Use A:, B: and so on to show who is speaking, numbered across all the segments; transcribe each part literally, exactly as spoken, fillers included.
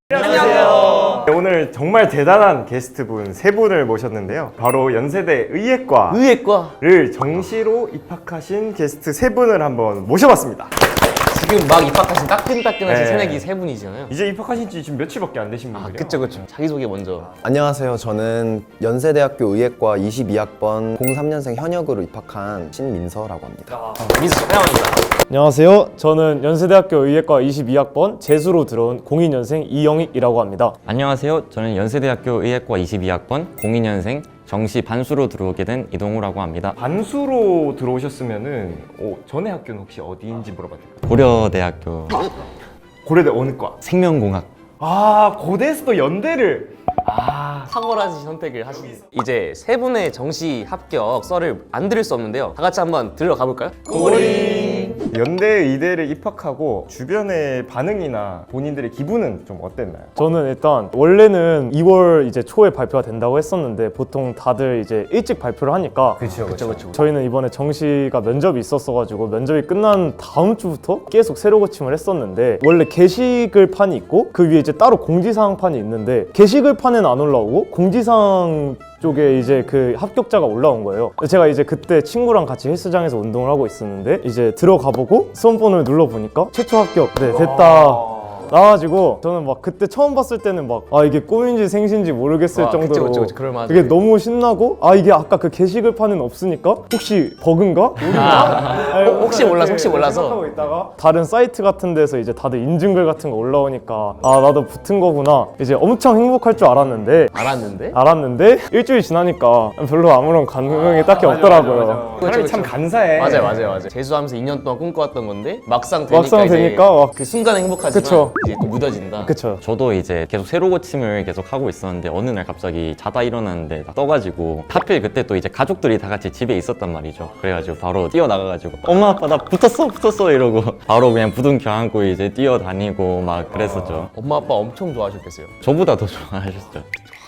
A: 안녕하세요.
B: 네, 오늘 정말 대단한 게스트분 세 분을 모셨는데요. 바로 연세대 의예과
A: 의예과.
B: 정시로 입학하신 게스트 세 분을 한번 모셔봤습니다.
A: 지금 막 입학하신 따끈따끈하신
B: 네.
A: 새내기 세 분이잖아요.
B: 이제 입학하신 지 지금 며칠밖에 안 되신
A: 아,
B: 분들이요.
A: 그쵸 그쵸. 자기소개 먼저.
C: 안녕하세요. 저는 연세대학교 의예과 이십이 학번 공삼 년생 현역으로 입학한 신민서라고 합니다.
A: 민수 환영합니다.
D: 안녕하세요. 저는 연세대학교 의예과 이십이 학번 재수로 들어온 공이 년생 이영익이라고 합니다.
E: 안녕하세요. 저는 연세대학교 의예과 이십이 학번 공이 년생 정시 반수로 들어오게 된 이동우라고 합니다.
B: 반수로 들어오셨으면은 어, 전에 학교는 혹시 어디인지 물어봐도 될까요?
E: 고려대학교
B: 고려대 어느 과?
E: 생명공학.
B: 아, 고대에서 또 연대를. 아,
A: 탁월하신 선택을 하신. 이제 세 분의 정시 합격 썰을 안 들을 수 없는데요. 다 같이 한번 들어가 볼까요?
B: 연대 의대를 입학하고 주변의 반응이나 본인들의 기분은 좀 어땠나요?
D: 저는 일단 원래는 이월 이제 초에 발표가 된다고 했었는데 보통 다들 이제 일찍 발표를 하니까
A: 그쵸 그쵸 그쵸.
D: 저희는 이번에 정시가 면접이 있었어가지고 면접이 끝난 다음 주부터 계속 새로 고침을 했었는데 원래 게시글 판이 있고 그 위에 이제 따로 공지사항 판이 있는데 게시글 판에는 안 올라오고 공지사항 쪽에 이제 그 합격자가 올라온 거예요. 제가 이제 그때 친구랑 같이 헬스장에서 운동을 하고 있었는데 이제 들어가보고 수험번호를 눌러보니까 최초 합격. 네, 됐다. 나와가지고 저는 막 그때 처음 봤을 때는 막 아 이게 꿈인지 생신지 모르겠을
A: 와, 그쵸,
D: 정도로
A: 그쵸, 그쵸. 그럴만하죠.
D: 이게 너무 신나고 아 이게 아까 그 게시글판은 없으니까 혹시 버그인가? 아니,
A: 혹시 몰라서, 혹시
D: 이렇게
A: 몰라서.
D: 생각하고 있다가 다른 사이트 같은 데서 이제 다들 인증글 같은 거 올라오니까 아 나도 붙은 거구나 이제 엄청 행복할 줄 알았는데
A: 알았는데?
D: 알았는데 일주일 지나니까 별로 아무런 감흥이 딱히 없더라고요.
B: 사람이 참 간사해.
A: 맞아요 맞아요 맞아요. 재수하면서 이 년 동안 꿈꿔왔던 건데 막상 되니까
D: 막상
A: 이제
D: 되니까 막
A: 그 순간은 행복하지만
D: 그쵸.
A: 이제 또 무뎌진다.
D: 그쵸.
E: 저도 이제 계속 새로 고침을 계속 하고 있었는데 어느 날 갑자기 자다 일어났는데 딱 떠가지고 하필 그때 또 이제 가족들이 다 같이 집에 있었단 말이죠. 그래가지고 바로 뛰어나가가지고 엄마 아빠 나 붙었어 붙었어 이러고 바로 그냥 부둥켜 안고 이제 뛰어다니고 막 그랬었죠.
A: 엄마 아빠 엄청 좋아하셨겠어요.
E: 저보다 더 좋아하셨죠.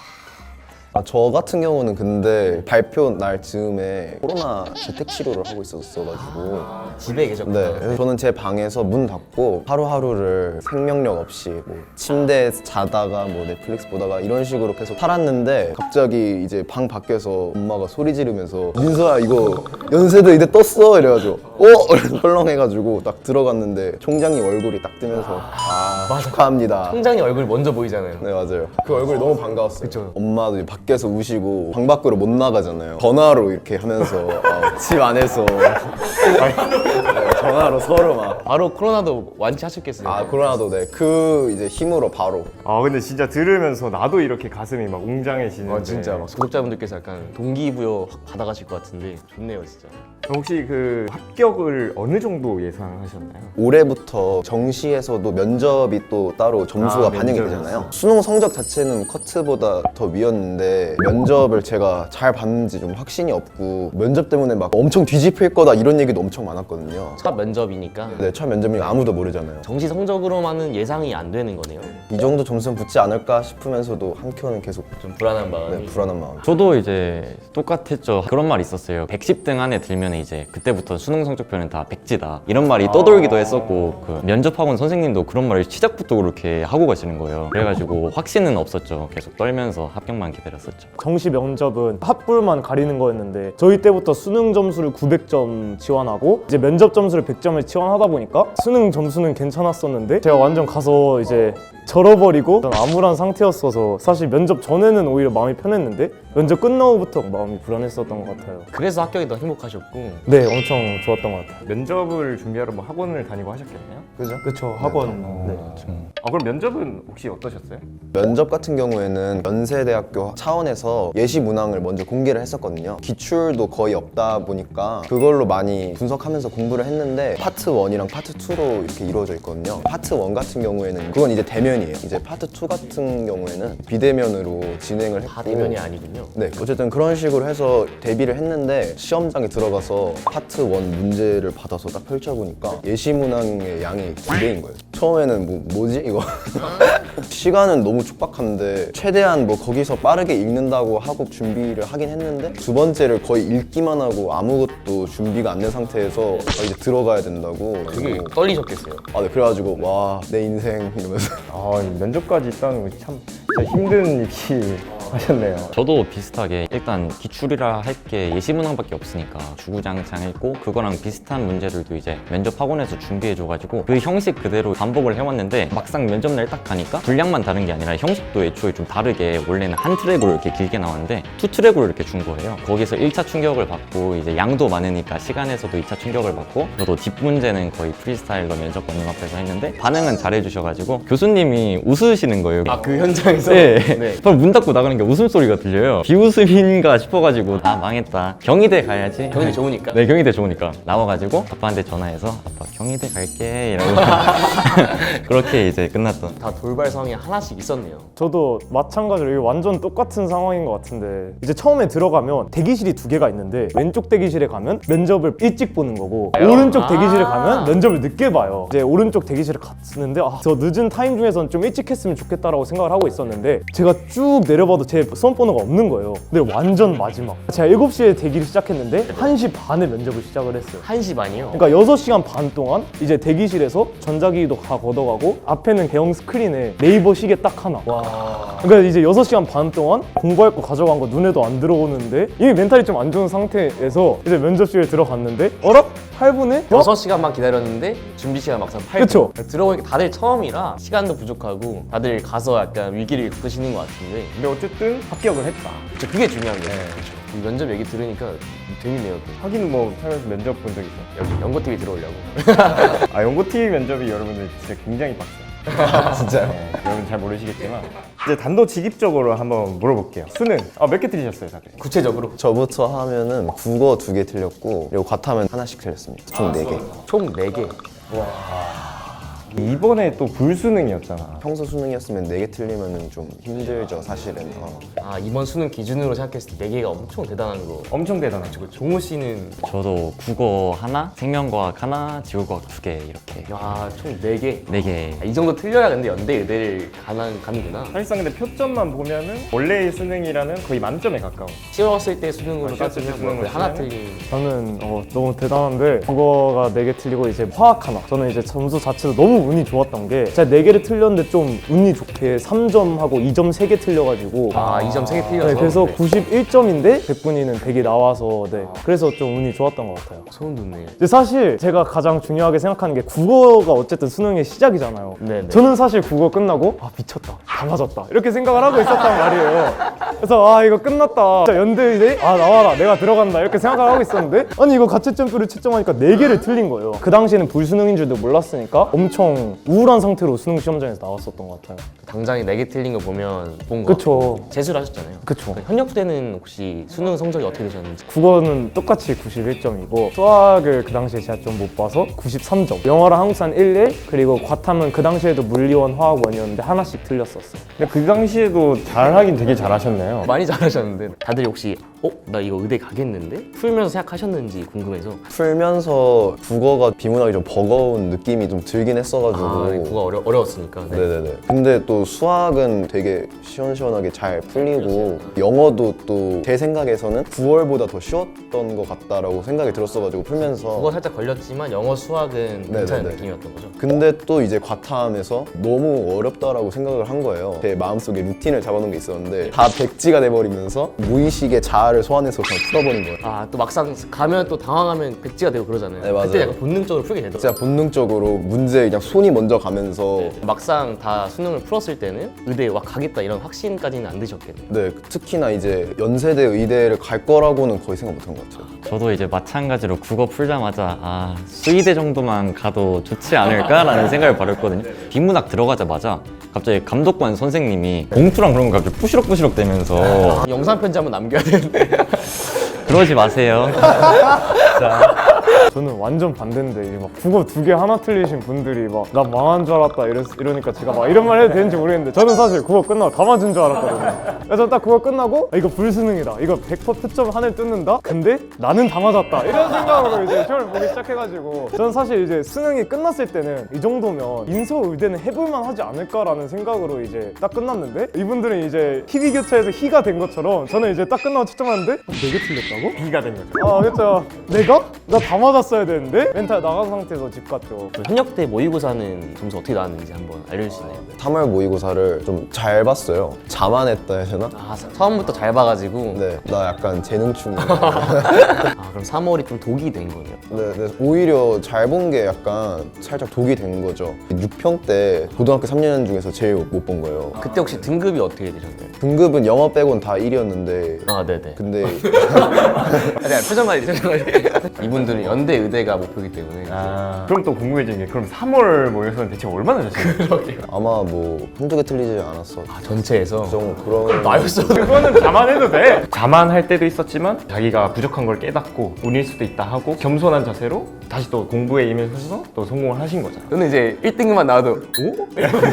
C: 아, 저 같은 경우는 근데 발표 날 즈음에 코로나 재택 치료를 하고 있었어가지고
A: 집에 계셨구나.
C: 네, 그래서 저는 제 방에서 문 닫고 하루하루를 생명력 없이 뭐 침대에서 자다가 뭐 넷플릭스 보다가 이런 식으로 계속 살았는데 갑자기 이제 방 밖에서 엄마가 소리 지르면서 민서야 이거 연세대 의대 떴어 이래가지고 어? 이래서 헐렁해가지고 딱 들어갔는데 총장님 얼굴이 딱 뜨면서 아 축하합니다.
A: 총장님 얼굴 먼저 보이잖아요.
C: 네 맞아요. 그 얼굴이 너무 반가웠어요.
A: 그쵸.
C: 엄마도 이제 밖에서 우시고 방 밖으로 못 나가잖아요. 전화로 이렇게 하면서 어, 집 안에서 네, 전화로 서로 막
A: 바로 코로나도 완치하셨겠어요.
C: 아 코로나도 네 그 이제 힘으로 바로
B: 아, 근데 진짜 들으면서 나도 이렇게 가슴이 막 웅장해지는데.
A: 아, 진짜 막 구독자분들께서 약간 동기부여 확 받아가실 것 같은데 좋네요 진짜.
B: 혹시 그 합격을 어느 정도 예상하셨나요?
C: 올해부터 정시에서도 면접이 또 따로 점수가
B: 아,
C: 반영이
B: 면접이었어.
C: 되잖아요. 수능 성적 자체는 커트보다 더 위였는데 면접을 제가 잘 봤는지 좀 확신이 없고 면접 때문에 막 엄청 뒤집힐 거다 이런 얘기도 엄청 많았거든요.
A: 첫 면접이니까
C: 네, 첫 면접이니까 아무도 모르잖아요.
A: 정시 성적으로만은 예상이 안 되는 거네요.
C: 이 정도 점수는 붙지 않을까 싶으면서도 한켠은 계속
A: 좀 불안한 마음이.
C: 네, 불안한 마음.
E: 저도 이제 똑같았죠. 그런 말이 있었어요. 백십 등 안에 들면 이제 그때부터 수능 성적표는 다 백지다. 이런 말이 떠돌기도 했었고 그 면접학원 선생님도 그런 말을 시작부터 그렇게 하고 가시는 거예요. 그래가지고 확신은 없었죠. 계속 떨면서 합격만 기다렸었죠.
D: 정시 면접은 합불만 가리는 거였는데 저희 때부터 수능 점수를 구백 점 지원하고 이제 면접 점수를 백 점을 지원하다 보니까 수능 점수는 괜찮았었는데 제가 완전 가서 이제 절어버리고 전 암울한 상태였어서 사실 면접 전에는 오히려 마음이 편했는데 면접 끝나고부터 마음이 불안했었던 것 같아요.
A: 그래서 합격이 더 행복하셨고.
D: 네, 엄청 좋았던 것 같아요.
B: 면접을 준비하러 뭐 학원을 다니고 하셨겠네요?
C: 그죠?
D: 그쵸, 학원. 네.
B: 아, 그럼 면접은 혹시 어떠셨어요?
C: 면접 같은 경우에는 연세대학교 차원에서 예시 문항을 먼저 공개를 했었거든요. 기출도 거의 없다 보니까 그걸로 많이 분석하면서 공부를 했는데 파트 일이랑 파트 이로 이렇게 이루어져 있거든요. 파트 일 같은 경우에는 그건 이제 대면이에요. 이제 파트 이 같은 경우에는 비대면으로 진행을 했고
A: 다 대면이 아니군요.
C: 네, 어쨌든 그런 식으로 해서 대비를 했는데 시험장에 들어가서 파트 일 문제를 받아서 딱 펼쳐보니까 예시 문항의 양이 두 배인 거예요. 처음에는 뭐 뭐지 이거 시간은 너무 촉박한데 최대한 뭐 거기서 빠르게 읽는다고 하고 준비를 하긴 했는데 두 번째를 거의 읽기만 하고 아무것도 준비가 안 된 상태에서 아, 이제 들어가야 된다고
A: 되게
C: 그리고
A: 떨리셨겠어요.
C: 아, 네, 그래가지고 와 내 인생 이러면서
B: 아, 이 면접까지 있다는 거 참 진짜 힘든 입시 하셨네요.
E: 저도 비슷하게 일단 기출이라 할 게 예시 문항밖에 없으니까 주구장창 읽고 그거랑 비슷한 문제들도 이제 면접 학원에서 준비해줘가지고 그 형식 그대로 반복을 해왔는데 막상 면접날 딱 가니까 분량만 다른 게 아니라 형식도 애초에 좀 다르게 원래는 한 트랙으로 이렇게 길게 나왔는데 투 트랙으로 이렇게 준 거예요. 거기서 일 차 충격을 받고 이제 양도 많으니까 시간에서도 이 차 충격을 받고 저도 뒷문제는 거의 프리스타일러 면접관님 앞에서 했는데 반응은 잘해주셔가지고 교수님이 웃으시는 거예요.
A: 아, 그 현장에서?
E: 네.
A: 네.
E: 바로 문 닫고 나가는 게 웃음소리가 들려요. 비웃음인가 싶어가지고 아 망했다. 경희대 가야지.
A: 경희대 좋으니까.
E: 네, 경희대 좋으니까. 나와가지고 아빠한테 전화해서 아빠 경희대 갈게 이러고 그렇게 이제 끝났던.
A: 다 돌발 상황이 하나씩 있었네요.
D: 저도 마찬가지로 이게 완전 똑같은 상황인 것 같은데 이제 처음에 들어가면 대기실이 두 개가 있는데 왼쪽 대기실에 가면 면접을 일찍 보는 거고 오른쪽
A: 아.
D: 대기실에 가면 면접을 늦게 봐요. 이제 오른쪽 대기실에 갔는데 아, 저 늦은 타임 중에서는 좀 일찍 했으면 좋겠다라고 생각을 하고 있었는데 제가 쭉 내려봐도 제 수험번호가 없는 거예요. 근데 완전 마지막. 제가 일곱 시에 대기를 시작했는데 한 시 반에 면접을 시작을 했어요.
A: 한 시 반이요?
D: 그러니까 여섯 시간 반 동안 이제 대기실에서 전자기기도 다 걷어가고 앞에는 대형 스크린에 네이버 시계 딱 하나.
A: 와.
D: 그러니까 이제 여섯 시간 반 동안 공부할 거 가져간 거 눈에도 안 들어오는데 이미 멘탈이 좀 안 좋은 상태에서 이제 면접실에 들어갔는데 어라? 팔 분에? 어?
A: 여섯 시간만 기다렸는데 준비 시간 막상 팔 분.
D: 그쵸?
A: 들어보니까 다들 처음이라 시간도 부족하고 다들 가서 약간 위기를 겪으시는 것 같은데
B: 근데 어쨌든 합격을 했다.
A: 그쵸, 그게 중요한 거예요. 이 면접 얘기 들으니까 재밌네요. 또.
B: 하긴 뭐 살면서 면접 본 적 있어.
A: 여기 연고티비 들어오려고.
B: 아, 연고티비 면접이 여러분들 진짜 굉장히 빡세요.
C: 진짜요?
B: 네, 여러분 잘 모르시겠지만 이제 단도직입적으로 한번 물어볼게요. 수능 아, 몇 개 틀리셨어요, 다들?
A: 구체적으로
C: 저부터 하면은 국어 두 개 틀렸고 그리고 과탐은 하나씩 틀렸습니다. 총 네 개.
A: 총 네 개.
B: 이번에 또 불수능이었잖아.
C: 평소 수능이었으면 네 개 틀리면은 좀 힘들죠, 사실은. 어.
A: 아, 이번 수능 기준으로 생각했을 때 네 개가 엄청 대단한 거.
B: 엄청 대단하죠.
A: 종호 씨는
E: 저도 국어 하나, 생명과학 하나, 지구과학 두 개 이렇게
A: 야, 총 네 개.
E: 네 개.
A: 아, 이 정도 틀려야 근데 연대 의대를 가는 가는구나.
B: 사실상 근데 표점만 보면은 원래의 수능이라는 거의 만점에 가까워.
A: 쉬웠을 때 수능으로
B: 아, 쉬웠을 때
A: 따지면 뭐
B: 수능으로
A: 거의 하나
B: 치면은?
A: 틀린.
D: 저는 어, 너무 대단한데 국어가 네 개 틀리고 이제 화학 하나. 저는 이제 점수 자체도 너무 운이 좋았던 게 제가 네 개를 틀렸는데 좀 운이 좋게 삼 점하고 이 점 세 개 틀려가지고
A: 아, 이 점 세 개 틀려서.
D: 네, 그래서
A: 네.
D: 구십일 점인데 백분위는 백이 나와서 네, 그래서 좀 운이 좋았던 것 같아요.
A: 소름 돋네요.
D: 근데 사실 제가 가장 중요하게 생각하는 게 국어가 어쨌든 수능의 시작이잖아요.
A: 네네.
D: 저는 사실 국어 끝나고 아 미쳤다 다 맞았다 이렇게 생각을 하고 있었단 말이에요. 그래서 아 이거 끝났다 진짜 연대의대 아 나와라 내가 들어간다 이렇게 생각을 하고 있었는데 아니 이거 가채점표를 채점하니까 네 개를 틀린 거예요. 그 당시에는 불수능인 줄도 몰랐으니까 엄청 우울한 상태로 수능 시험장에서 나왔었던 것 같아요.
A: 당장에 네 개 틀린 거 보면 본 거.
D: 그쵸.
A: 재수를 하셨잖아요.
D: 그쵸.
A: 현역 때는 혹시 수능 성적이 어떻게 되셨는지.
D: 국어는 똑같이 구십일 점이고 수학을 그 당시에 제가 좀 못 봐서 구십삼 점, 영어랑 한국사는 일일, 그리고 과탐은 그 당시에도 물리원, 화학원이었는데 하나씩 틀렸었어요.
B: 근데 그 당시에도 잘하긴 되게 잘하셨네요.
A: 많이 잘하셨는데 다들 혹시 어? 나 이거 의대 가겠는데? 풀면서 생각하셨는지 궁금해서.
C: 풀면서 국어가 비문학이 좀 버거운 느낌이 좀 들긴 했어가지고
A: 아, 국어 어려, 어려웠으니까. 네.
C: 네네네. 근데 또 수학은 되게 시원시원하게 잘 풀리고 영어도 또 제 생각에서는 구월보다 더 쉬웠던 것 같다라고 생각이 들었어가지고 풀면서
A: 국어 살짝 걸렸지만 영어 수학은 괜찮은
C: 네네네.
A: 느낌이었던 거죠.
C: 근데 또 이제 과탐에서 너무 어렵다라고 생각을 한 거예요. 제 마음속에 루틴을 잡아놓은 게 있었는데 다 백지가 돼버리면서 무의식의 자아를 소환해서 그냥 풀어버린 거예요.
A: 아, 또 막상 가면 또 당황하면 백지가 되고 그러잖아요.
C: 네, 맞아요.
A: 그때 약간 본능적으로 풀게 되더라고요.
C: 진짜 본능적으로 문제 그냥 손이 먼저 가면서
A: 막상 다 수능을 풀었을 때는 의대에 와 가겠다 이런 확신까지는 안 드셨겠네요.
C: 네, 특히나 이제 연세대 의대를 갈 거라고는 거의 생각 못한 것 같아요.
E: 저도 이제 마찬가지로 국어 풀자마자 아 수의대 정도만 가도 좋지 않을까라는 생각을 벌였거든요. 비문학 들어가자마자 갑자기 감독관 선생님이 봉투랑 그런 거 갑자기 부시럭부시럭 대면서
A: 영상 편지 한번 남겨야 되는데.
E: 그러지 마세요.
D: 저는 완전 반대인데 이제 막 국어 두 개 하나 틀리신 분들이 막 나 망한 줄 알았다 이러, 이러니까 제가 막 이런 말 해도 되는지 모르겠는데 저는 사실 국어 끝나고 다 맞은 줄 알았거든요. 그래서 딱 국어 끝나고 아, 이거 불수능이다. 이거 백 퍼센트 표점 하늘 뜯는다? 근데 나는 다 맞았다. 이런 생각으로 이제 시험을 보기 시작해가지고 저는 사실 이제 수능이 끝났을 때는 이 정도면 인서 의대는 해볼만 하지 않을까라는 생각으로 이제 딱 끝났는데 이분들은 이제 희비 교차에서 희가 된 것처럼 저는 이제 딱 끝나고 채점하는데 어, 네 개 틀렸다고?
B: B가 된 거죠.
D: 아 그렇죠. 내가? 나 다 맞았어야 되는데? 멘탈 나간 상태에서 집 갔죠.
A: 그 현역대 모의고사는 점수 어떻게 나왔는지 한번 알려주시나요?
C: 삼월 모의고사를 좀 잘 봤어요. 자만했다 해야 되나?
A: 아 처음부터 잘 봐가지고
C: 네, 나 약간 재능충.
A: 아 그럼 삼월이 좀 독이 된 거네요.
C: 네, 네, 오히려 잘 본 게 약간 살짝 독이 된 거죠. 육 평 때 고등학교 삼 년 중에서 제일 못 본 거예요.
A: 그때 혹시 등급이 어떻게 되셨나요?
C: 등급은 영어 빼곤 다 일이었는데
A: 아 네네.
C: 근데
A: 아니 표정 관리 표정 관리. 이분들은 연대 의대가 목표이기 때문에.
B: 아, 그럼 또 궁금해지는 게 그럼 삼월 모의고사는 대체 얼마나 졌어요?
C: 아마 뭐 한두 개 틀리지 않았어.
A: 아 전체에서.
C: 좀 그런
A: 나였어.
B: 그거는 자만해도 돼. 자만할 때도 있었지만 자기가 부족한 걸 깨닫고 운일 수도 있다 하고 겸손한 자세로 다시 또 공부에 임해서 또 성공을 하신 거잖아.
A: 저는 이제 일 등급만 나와도 오?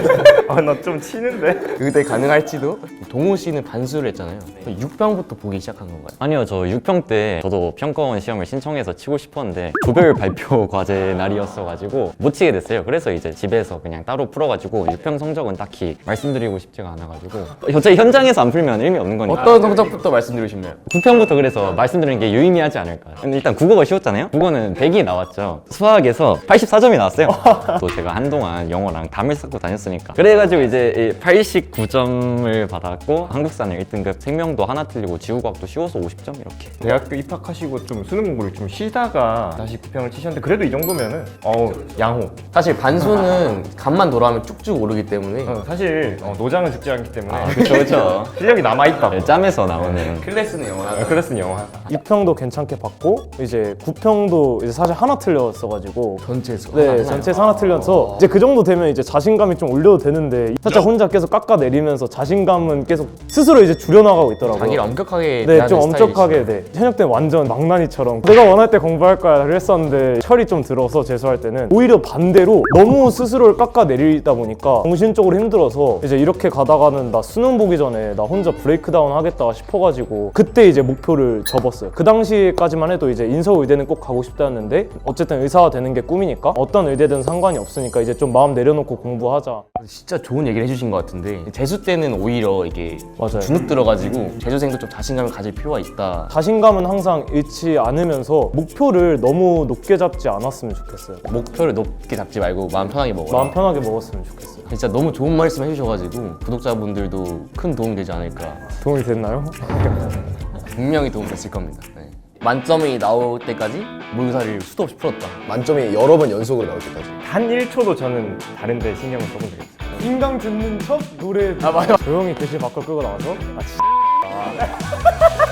B: 아, 나 좀 치는데?
A: 의대 가능할지도. 동호 씨는 반수를 했잖아요. 육 평부터 보기 시작한 건가요?
E: 아니요, 저 육 평 때 저도 평가원 시험을 신청해서 치고 싶었는데 조별 발표 과제 날이었어가지고 못 치게 됐어요. 그래서 이제 집에서 그냥 따로 풀어가지고 육 평 성적은 딱히 말씀드리고 싶지가 않아가지고 어차피 현장에서 안 풀면 의미 없는 거니까
A: 어떤 성적부터 말씀드리고 싶나요?
E: 구 평부터 그래서 말씀드리는 게 유의미하지 않을까. 근데 일단 국어가 쉬웠잖아요. 국어는 백이 나왔죠. 수학에서 팔십사 점이 나왔어요. 또 제가 한동안 영어랑 담을 쌓고 다녔으니까 그래가지고 이제 팔십구 점을 받았고 한국사는 일 등급, 생명도 하나 틀리고 지구과학도 쉬워서 오십 점 이렇게.
B: 대학교 입학하시고 좀 수능 공부를 좀 쉬다가 다시 구 평을 치셨는데 그래도 이 정도면은 어우 양호.
A: 사실 반수는 간만 돌아가면 쭉쭉 오르기 때문에
B: 어, 사실 어, 노장은 죽지 않기 때문에
E: 아, 그쵸, 그쵸.
B: 실력이 남아있다.
E: 네, 짬에서 나오는.
A: 클래스는 영어나.
B: 클래스는 영어.
D: 육 평도 괜찮게 봤고 이제 구 평도 이제 사실 하나 틀렸어가지고
A: 전체에서.
D: 네, 전체에서 하나 틀려서 이제 그 정도 되면 이제 자신감이 좀 올려도 되는데 살짝 혼자 계속 깎아내리면서 자신감은 계속 스스로 이제 줄여나가고 있더라고요.
A: 자기를 엄격하게
D: 네,
A: 대하는
D: 좀
A: 스타일이시죠.
D: 엄격하게 네. 현역 때는 완전 망나니처럼 내가 원할 때 공부할 거야 그랬었는데 철이 좀 들어서 재수할 때는 오히려 반대로 너무 스스로를 깎아내리다 보니까 정신적으로 힘들어서 이제 이렇게 가다가는 나 수능 보기 전에 나 혼자 브레이크다운 하겠다 싶어가지고 그때 이제 목표를 접었어요. 그 당시까지만 해도 이제 인서의대는 꼭 가고 싶다였는데 어쨌든 의사가 되는 게 꿈이니까 어떤 의대든 상관이 없으니까 이제 좀 마음 내려놓고 공부하자.
A: 진짜 좋은 얘기를 해주신 것 같은데 재수 때는 오히려 이게
D: 맞아요.
A: 주눅 들어가지고 재수생도 좀 자신감을 가질 필요가 있다.
D: 자신감은 항상 잃지 않으면서 목표를 너무 높게 잡지 않았으면 좋겠어요.
A: 목표를 높게 잡지 말고 마음 편하게 먹어라.
D: 마음 편하게 먹었으면 좋겠어요.
A: 진짜 너무 좋은 말씀 해주셔가지고 구독자분들도 큰 도움이 되지 않을까.
D: 도움이 됐나요?
A: 분명히 도움 됐을 겁니다. 네. 만점이 나올 때까지 모의고사를 수도 없이 풀었다.
C: 만점이 여러 번 연속으로 나올 때까지.
B: 단 일 초도 저는 다른 데 신경을 써본 적이 없어요.
D: 인강 듣는 척 노래 아 맞아 조용히 교실 밖으로 끌고 나와서 아 씨.